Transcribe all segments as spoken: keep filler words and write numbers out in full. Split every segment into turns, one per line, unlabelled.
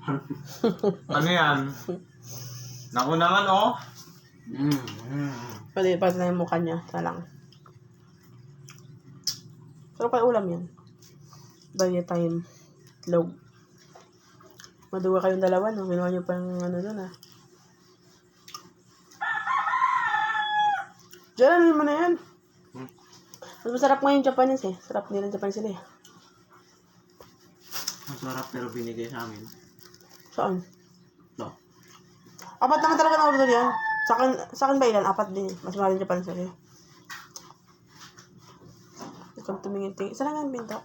Ano yan? Naku naman, oh.
Mm. Mm.
Pwede pa na yung mukha niya. Sa lang. Pero kay ulam yan. Dahil time. Log. Maduwa kayong dalawa, no? Ginawa niyo pa yung ano doon, ah. Diyan, ano mo na yan?
Hmm?
Mas masarap nga yung Japanese, eh. Sarap nila yung Japanese sila, eh.
Masarap pero binigay sa amin.
Saan?
No.
Apat naman talaga na order yan. Sa akin, sa akin ba ilan? Apat din, eh. Mas mahal yung Japanese sila, eh. Ikaw tumingin-tingin. Saan lang ang binto?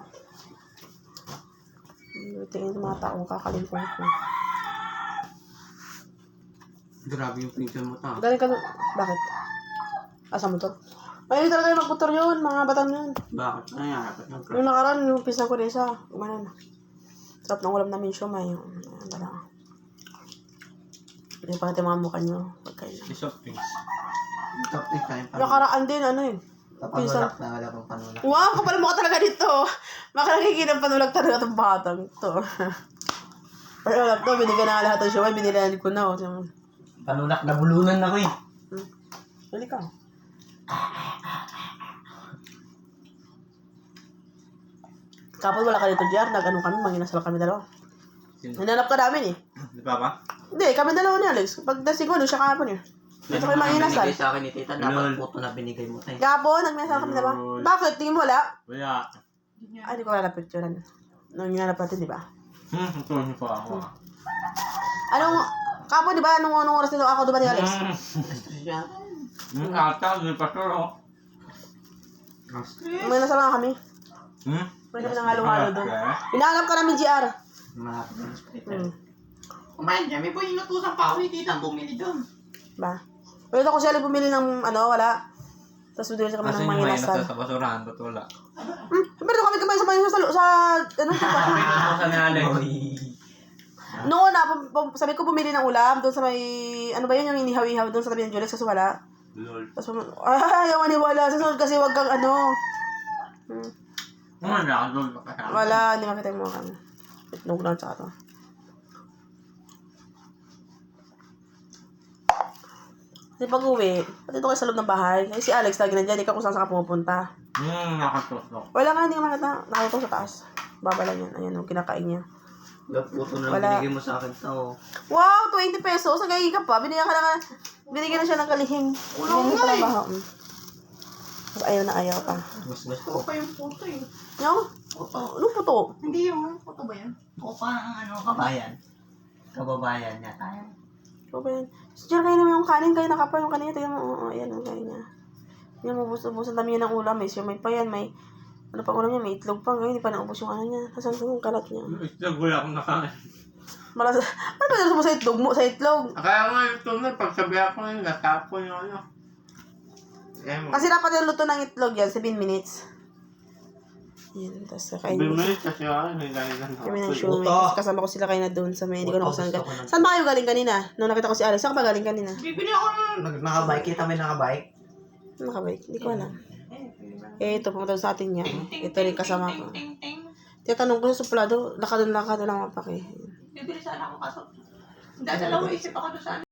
Tingin sa mga taong kakalimpong ko.
Grabe yung picture mo ta.
Galing ka doon. Bakit? Asa motor? Mahilig talaga yung magmotor yun. Mga batang yun.
Bakit? Ay, dapat yung
Nung nakaraan, yung pisa ko na isa. Gumanon. Sarap ng ulam namin siya. May yung... Ano lang. Hindi pa natin mga mukha nyo. Pagkain lang.
Soft drinks.
top eight tayo pa.
Nakaraan din, ano eh.
Panulak na wala pang panulak.
Wow, kapal mo ka talaga dito. Baka nakikita ng panulag talaga itong batang to. Pero alam to, binigyan na lahat ng siya. Binilhan ko na. Oh.
Panulak na bulunan ako eh.
Hmm. Bali ka. Kapag wala ka dito, J R, nag-ano kami, manginasal kami dalawa. Hinanap ka namin eh.
Di ba ba?
Hindi, kami dalawa ni Alex. Pagdasing ko, doon siya kahapon eh. Dito kayo manginasal.
Binigay sa akin ni tita, dapat puto na binigay mo tayo.
Kahapon, nagminasal kami dalawa. Bakit? Tingin mo wala?
Wala.
Ay, di ko wala na picturean. Nung hinanap natin, di ba?
Hmm, ito niyo pa ako.
Anong, kahapon, di ba? Anong, anong oras nito ako, di ba ni Alex?
Siya.
Hmm, ata, may pastor, oh.
Manginasal nga kami.
Hmm?
Pwede kami nang halo-halo doon.
Okay.
Hinahanap ka namin, J R.
Mga hospital.
Hmm.
Kumain niya, may po inutusan pa ako ni tita, bumili doon.
Ba? Pwede ako siya bumili ng ano, wala. Tapos bumili kami ng manginasal.
sa basurahan, ba't wala?
Hmm, pero kami kumain sa manginasal sa, sa, ano, sa,
Sa ni Alex.
noon na, pum- pum- sabi ko bumili ng ulam doon sa may, ano ba yun, yung inihaw-ihaw doon sa tabi ng Julex kasi wala.
Lol.
Tapos, pum- ay, ayaw maniwala. Sa sunod kasi wag kang ano. Hmm.
Ano na, lol, makasama.
Wala, hindi makita yung mga kami. Itlog lang tsaka to. Kasi pag uwi, pati ito kayo sa loob ng bahay. Kasi si Alex lagi nandiyan, ikaw kung saan saan ka pumupunta.
Hmm, nakatusok.
Wala nga, hindi ka makita. Nakita ko sa taas. Baba lang yan. Ayan, yung kinakain niya.
Puto na
Wala.
binigay mo sa akin tao.
Wow, twenty pesos. Ang gagi ka pa. Binigyan ka na, binigyan na siya ng kalihing.
Wala
Binigyan
nga
pa ng
eh.
baho. Mm. Tapos ayaw na ayaw pa.
Mas gusto ko pa yung puto eh.
Yung?
Puto.
Ano po to?
Hindi yung puto ba yan? O parang ano, kabayan. Kababayan niya tayo.
Ano ba yan? So, dyan kayo naman yung kanin. Kayo nakapa yung kanin. Tingnan mo. Oo, ayan. Ang kain niya. Yan, mabus-ubus. Ang dami yan ng ulam. May siyomay pa yan. May, ano pa ulam niya? May itlog pa. Ngayon, hindi pa naubos yung ano niya. Tapos ang yung kalat niya.
Itlog, wala akong nakain.
Malas. Ano ba yung mo sa itlog mo? Sa itlog?
Kaya nga yung tunod, pag sabi ako yung natapon yung ano. Eh,
Kasi dapat yung luto ng itlog yan. seven minutes. Yan. Tapos kakain mo.
Bumili kasi ako, may ganyan
Kami ng
ako.
shumay. Tapos kasama ko sila kayo na doon sa may, hindi ko na kung saan ka. Saan ba kayo galing kanina? Nung nakita ko si Alex, saan ka ba galing kanina?
Bibili ako ng nakabike. Kita may nakabike.
Nakabike? Hindi ko alam. Eh, ito, pumunta sa atin niya. Ito rin kasama ko. Tiyatanong ko sa suplado, lakad-lakad lang mapaki.
Bibili sana ako kaso. Dadalawa isip ako doon sa